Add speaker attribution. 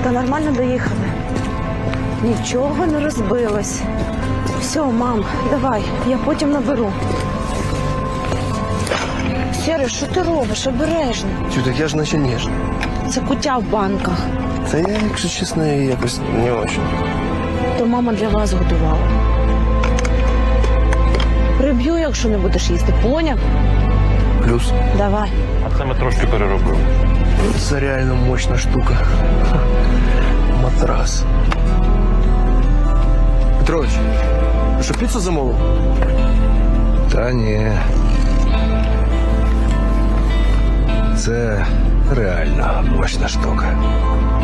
Speaker 1: Та нормально доїхали. Нічого не розбилось. Все, мам, давай, я потім наберу. Сєре, що ти робиш? Обережно.
Speaker 2: Чу, так я ж наче ніжний.
Speaker 1: Це куття в банках.
Speaker 2: Та я, якщо чесно, якось не очень.
Speaker 1: То мама для вас готувала. Приб'ю, якщо не будеш їсти. Поняв?
Speaker 2: Плюс.
Speaker 1: Давай.
Speaker 3: А це ми трошки переробили.
Speaker 2: Це реально мощна штука. Ха. Матрас. Петрович, ти що, піцу замовив?
Speaker 4: Та ні. Це реально мощна штука.